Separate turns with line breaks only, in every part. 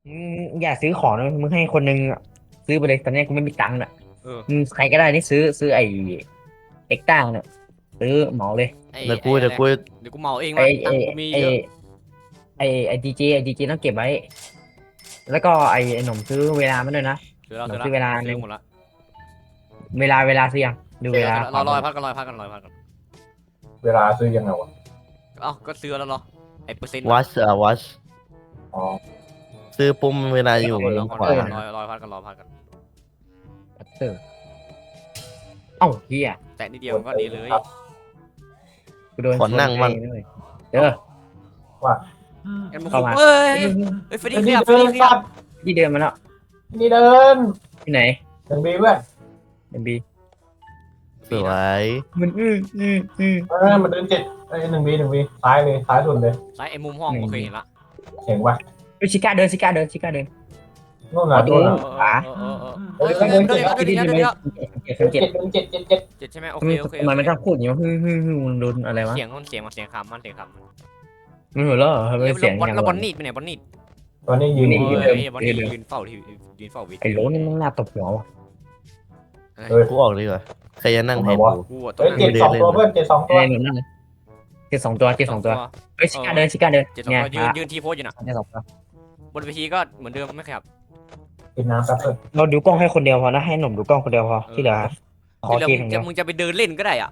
อย่าซื้อของนะมึงให้คนนึงอะซื้อไปเลยตอนนี้กูไม่มีตังค์อ่ะ
เออ
ใครก็ได้นี่ซื้อไอ้เอ็กต้าเนี่ยซื้อเหมาเลย
ไอ
เดี๋ยว
ไออะไร
กูเดี๋ยวกู
เดี๋ยวกูเหมาเอง
ไอ้
มาตั
ไอ้
งค์กูมี
ไอ้
เยอะ
ไอ้ดีเจต้องเก็บไว้แล้วก็ไอ้หนุ่มซื้อเวลามาด้วยนะหนุ่ม
ซื้อแล้วซื้อแล้ว
ซื้อเวลาหนึ่ง
ซื้อหมดละ
เวลาซื้อยังดูเวลา
ซื้อแล้ว
ขวาบน
รอพักกันรอพักกันรอพักกัน
เวลาซื้อยังไงวะ
เอ้าก็ซื้อแล้วเหรอไอเปอร์เซ็นต์
วัชวัช
อ๋อ
ซื้อปุ่มเวลาอยู่
รอ
ขวา
รอพักกันรอพักกัน
เออเอ้าเฮีย
แต่นิดเดียวก็ดีเลย
ครับ
กูโดน
ขอนั่งมั่ง
ชนไปด้วยเด้อ
ว่า
งั้นมึง
เข้ามา
เอ้ยเฮ้ยเฟรดดี้ขยับเฟรดดี้ขยับ
ที่เดินมาแล้ว
นี่เดิน
ที่ไหน
ยังดีเว้ย
เอ็มบี
สวย
มัน
มันเดิน71 Bซ้ายเลยซ้ายสุดเลย
ซ้ายไอ้มุมห้องโอเคเห็นละ
เจ๋งว่ะ
ชิก้าเดินชิก้าเดินชิก้าเดิน
นู่นน่ะ
อ๋อ
นู่นน่ะ
เฮ้ยเดินเดี๋ยว
เดินเจ็ด
เจ็ดใช่ไหมโอเคโอเค
ทำไมมันชอบพูดอย่างนี้วะมันโดนอะไรวะ
เสียงมันเสียงมันเสียงคำมันเสียงคำ
มันหัวเราะทำไมเสียงอย่าง
แล้วบอลนี่ไปไหนบอลนี่
ตอนนี้ยืน
นี่
อยู่
เฮ้ยบอลนี่ยืนเฝ้าที่ยืนเฝ้าวิ
ไอ้โหลนี่มันน่าตบหัวว่ะ
เฮ้ย
กูออกดีกว่าใครจะนั่งแทนกู
กูอ่ะ
เฮ้ย7 2 ตัวเพื่อน7 2 ตัว
ไอ้หนุ่มนั่นเลยเจ็ดสองตัวเฮ้ยชิก้าเดิน
เจ็ดสอง
เนี่ย
ตัวยืนทีโพสอยู่นะ
เจ็ดสองตัว
บนเวทีก็เหมือนเดิมไม่ขยับ
กินน้ำแป๊บนึง
เราดูกล้องให้คนเดียวพอนะให้หนุ่มดูกล้องคนเดียวพอที่เหลือขอ
ที่
เก
เรา
มอย่างเดียว
มึงจะไปเดินเล่นก็ได้อ่ะ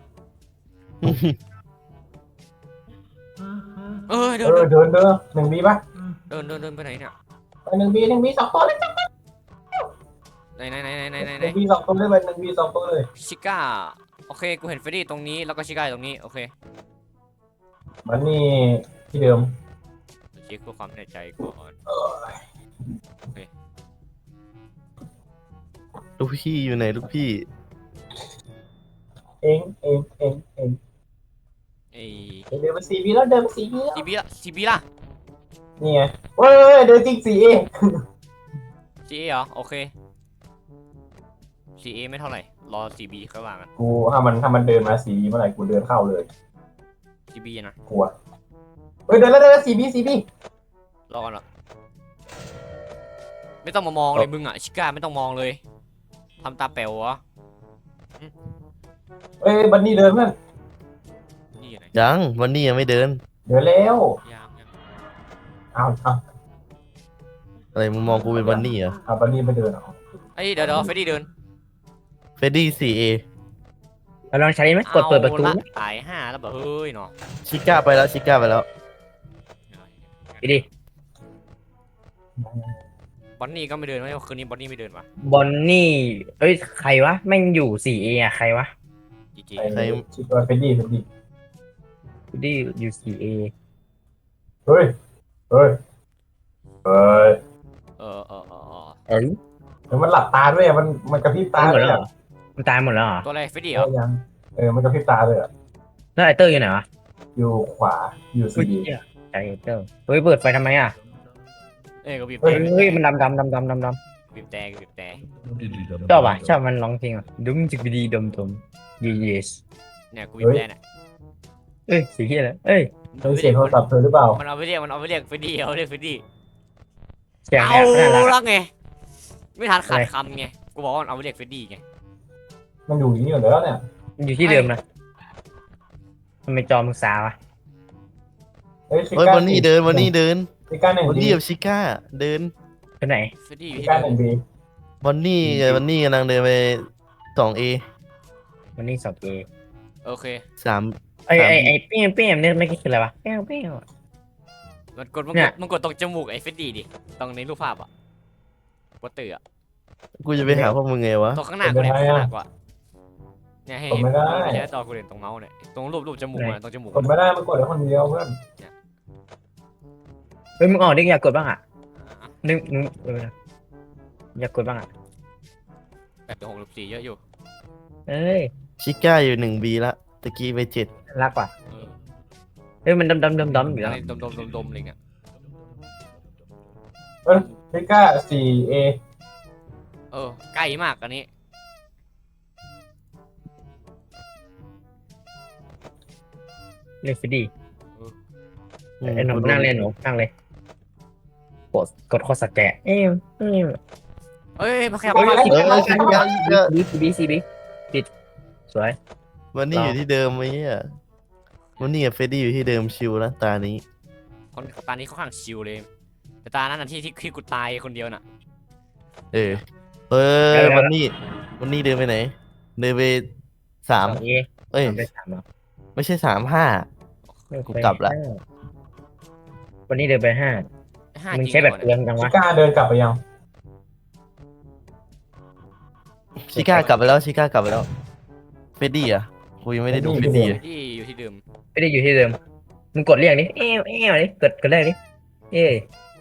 เออเดิน
เดิน1 Bป่ะ
เดินไปไหนเนี่ย
ไป1 B 2 ตัวเลย
ไหน
1 B 2 ตัวเลยไป1 B 2 ตัวเลย
ชิก้าโอเคกูเห็นเฟรดดี้ตรงนี้แล้วก็ชิก้าตรงนี้โอเค
มันนี่ที่เดิม
เช็คเพื่อความแน่ใจก่อน
ลูกพี่อยู่ไหนลูกพี่
เอง
ไอ้
เดินมา4 Bแล้วเดินมา4 B แล้ว
ซีบีล่ะ
นี่ไงเฮ้ยเดินจริง4 A
ซีเอเหรอโอเคซีเอไม่เท่าไหร่รอซีบีค่อยว่ากัน
กูถ้ามันเดินมา4 B เมื่อไหร่กูเดินเข้าเลย
ซีบีนะ
กลัวเฮ้ยเดินแล้ว4 B
รอก่อนละไม่ต้องมามองเลยมึงอ่ะชิก้าไม่ต้องมองเลยทำตาแป๋ววะ
เฮ้ยบันนี่เดินเพื่อน
นี่ไหน
ยังวันนี้ยังไม่เดิน
เดินแล้ว
ยัง
เอา
อะไรมึงมองกูเป็นวันนี้เหรอ
เอาบันนี่ไม่เดินเหรอ
เอ้ยเดี๋ยวเฟรดดี้เดิน
เฟดดี้ 4A
เราลองใช้ไหมกดเปิดประตู
อาละตาย5แล้วแบบเฮ้ยเนาะ
ชิก้าไปแล้วชิก้าไปแล้ว
ไปดิ
บอนนี่ก็ไม่เดินวะคืนนี้บอนนี่ไม่เดินวะ
บอนนี่เอ้ยใครวะแม่งอยู่ 4A อ่ะใครวะ
จีจี
ไอ้ชิคเฟดดี้
กูดิอยู่ 4A
เฮ้ยเฮ้ยเฮ้ย
เออ
เอ้ย
เดี๋ยวมันหลับตาด้วยอะมันกระพริบตา
ตายหม
เล
ด
ย
แล้วเหร
อะ
อมันตายหมดแล้วเหรอ
ตัวอะไรเฟรดดี้เหรอ
ยังมันกระพริบตาเลยอะ
แล้วไอเตอร์อยู่ไหนวะ
อยู่ขวาอยู่
เฮ้ย
4 B
ไอเตอร์เฮ้ยเปิดไฟทำไมอ่ะ
เอ้ยก็บีบ
เฮ้
แต่
ยมันดำ
บีบแต่บีบแต่
ชอบอ่ะชอบมันร้องเพลงอ่ะดุ้งจิกดีดมyes
เนี่ยกูบีบแต่เนี่ย
เอ้ยสีเขียวเลยเอ้ย
เฮ้ยเสียงโทรศัพท์เธอหรือเปล่า
มันเอาไปเรียกเฟรดดี้เอาเรียกเฟรดดี้
เสียง
เอา
แอบน่ารัก
ละไงไม่ทันขาดคำไงกูบอกว่ามันเอาไปเรียกเฟรดดี้ไง
มันอยู่อย่างนี้อยู่แล้วเนี่ย
มันอยู่ที่เดิมนะทำไมจอมึงซาวะ
เฮ้ยชิ
เฮ้ย
ก้า
วันนี้เดินวันนี้เดิน
ชิก้า1
วัน
B
นี้กับชิก้าเดิน
ไปไหน
เฟรดดี้อยู่
ชิ
ที่
ก้า
เดิม
1 B
วันนี้กำลังเดินไป 2A
มันนี่สอบเอ
โอเค
3
ไอเปี้ยมเนี่ยไม่คิดคืออะไรวะเปี้ยม
มันกดตรงจมูกไอ้เฟรดดี้ดิตรงในรูปภาพอ่ะโปสเตอร์อ่ะ
กูจะไปหาพวกมึงไงวะ
ตรงข้างหน้ากูเนี่ยข้างหน้ากว่าเนี่ยให้
กด
เห็น
ไม่ได้
ไม่ใช่จอกูเห็นตรงเมาส์เนี่ยตรงรูปจมูกอ่ะตรงจมูก
กดไม่ได้มันกดได้คนเดียวเพื่อน
เฮ้ยมึงออกดิอยากกดบ้างอ่ะนึกอยากกดบ้างอ่ะ
8:64เยอะอยู่
เอ้ย
ชิก้าอยู่ 1B ละตะกี้ไป
รักว่ะ
เออ
เฮ้ยมันดำอยู่
อะ
แล้ว
ไรดมอะไรเงี้ย
ชิก้า4 A
เออใกล้มากอันนี้
เล่นฟิดี
7
ไอ้หนุ่มนั่งเล่นหนูนั่งเลยกดโคตรสแกะ
เอ้ยมาขยับ
เอ
มา
อชิก้า
บีปิดสวย
วันนี้อยู่ที่เดิมไหมเนี่ยวันนี้กับเฟรดดี้อยู่ที่เดิมชิวนะตานี้
คนตานี้เขาข้างชิวเลยแต่ตานั้นน่ะที่กูตายคนเดียวน่ะ
เออวันนี้เดินไปไหนเดินไปสาม
2A
เอ้ย
ไป3เหรอ
ไม่ใช่3 5 กูกลับละ
วันนี้เดินไป5
ห้า
มึง
จริง
ใช้แบบ
เหรอ
เปลืองจัง
ชิ
วะ
ก้าเดินกลับไปยัง
ชิก้ากลับไปแล้วชิก้ากลับไปแล้วเฟรดดี้อ่ะกูยังไม่ได้ดูเฟรดดี้เลย
ที่อยู่ที่เดิม
ไม่ได้อยู่ที่เดิมมึงกดเรียกดิดิกดแรกดิเอ้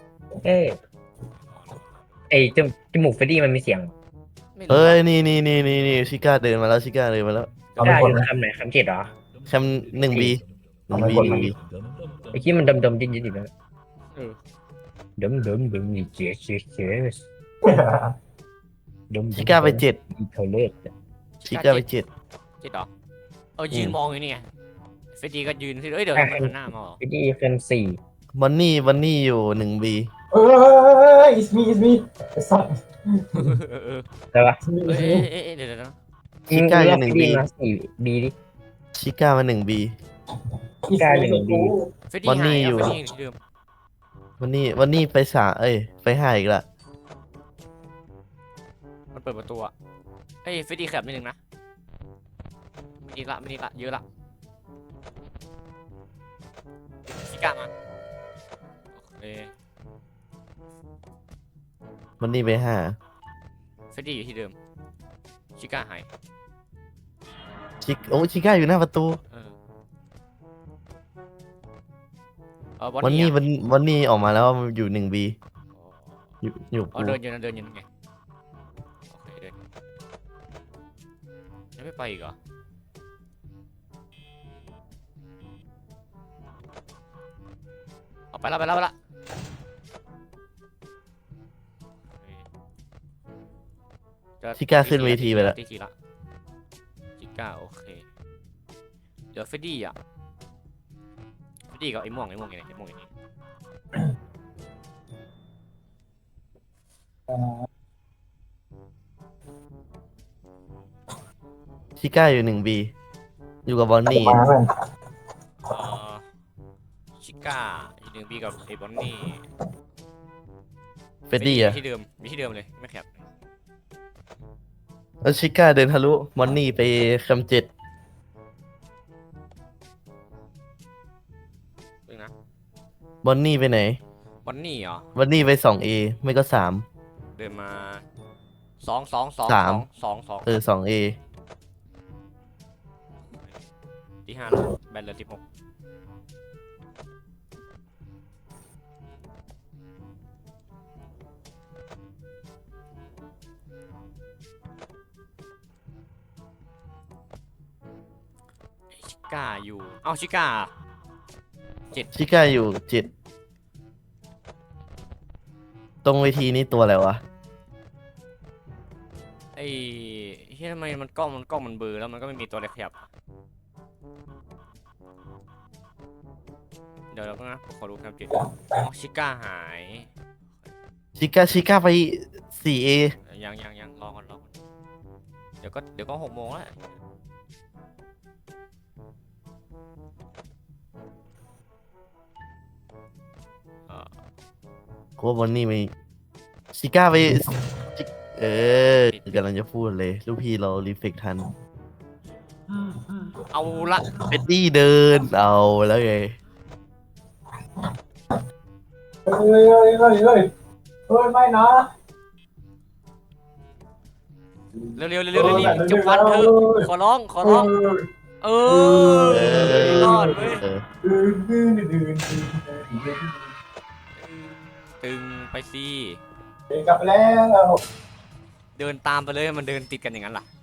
ไอจมูกเฟรดดี้มันมีเสียง
ไม่รู้
เฮ้ยนี่ชิก้าเดินมาแล้วชิก้าเดินมาแล้ว
เอาไป
ได้
ก
อ
ด
ยู่
ไหม
คำไหนคำ7เหรอ
แชมป์1B 1B
ไอ้ที่มันดมดิ้นอยู่นะ
เออ
ดมนี่เจ๊ดม
ชิก้าไป7
เทเลต
ชิก้าไป7
จิตเหรอยืนมองอยู่นี่ไงเฟรดดี้ก็ยืนที่เอ้ยเดี๋ยวทำไมมันหน้ามาเหรอ
เฟรดดี้เป็น4
วันนี้อยู่1B
เออ it's me ไอ้สัตว์
เออ
ใช่ปะ
it's me
เอ้
it's me
เดี๋ยวนะ
ชิก้าอยู่
เฟรด
1B
ดี้มา4B ดิ
ชิก้ามา 1B
อีกาอยู่ดี
เฟรดดี้
วันนี้
หาย
อยู่
เฟรดดี้ที่เดิม
วันนี้ไปไป5อีกละ
มันเปิดประตูอะเอ้ยเฟรดดี้ขยับนิดนึงนะไม่ดีละเยอะละชิก้ามาโอเค
วันนี้ไป5
เฟรดดี้อยู่ที่เดิมชิก้าหาย
ชิก้าอยู่หน้าประตู
บอล
วัน
นี่
นี้วันนี้ออกมาแล้วอยู่1B อยู่
อ๋อ
กู
เดินอยู่นั่นไงโอเคเดินยังไม่ไปอีกเหรอเอาไปละจะ
ชิก้าขึ้นเวทีไปแล้ว
ทีละชิก้าโอเคเดี๋ยวเฟรดดี้อ่ะเฟรดดี้กับไอ้ม่วงอย่างนี้
ชิก้าอยู่1B อยู่กับบอนนี่
มาเลย
เอ่อชิก้าอีกหนึ่งปีกับไอ้บอนนี่
เฟรดดี้อ่ะ
มีที่เดิมเลยไม่ขยับ
แล้วชิก้าเดินทะลุบอนนี่ไปคำ7
เพิ่งนะ
บอนนี่ไปไหน
บอนนี่เหรอ
บอนนี่ไป 2A ไม่ก็3
เดินมาสอง
2A
ที่5แล้วแบนเหลือ16ชิก้าอยู่เอ้าชิก้า
ชิก้าอยู่7ตรงเวทีนี้ตัวอะไรวะ
ไอ้เฮ้ยทำไมมันกล้องมันเบลอแล้วมันก็ไม่มีตัวอะไรขยับอะเดี๋ยวนะผมขอดูครับจิตอ๋อชิก้าหาย
ชิก้าไป 4A
ยังรอก่อนเดี๋ยวก็6 โมงแล้ว
กูว่าบอนนี่ไม่ชิก้าไปกำลังจะพูดเลยลูกพี่เรารีเฟกทัน
เอาละ
เฟรดดี้เดินเอาแล้วไง
เฮ้ยไม่นะ
เร็วรีบจับฟันเถอะขอร้องเออรอดเว้ย ตึงไปสิ
กลับแล้ว
เดินตามไปเลยมันเดินติดกันอย่างนั้นล่ะ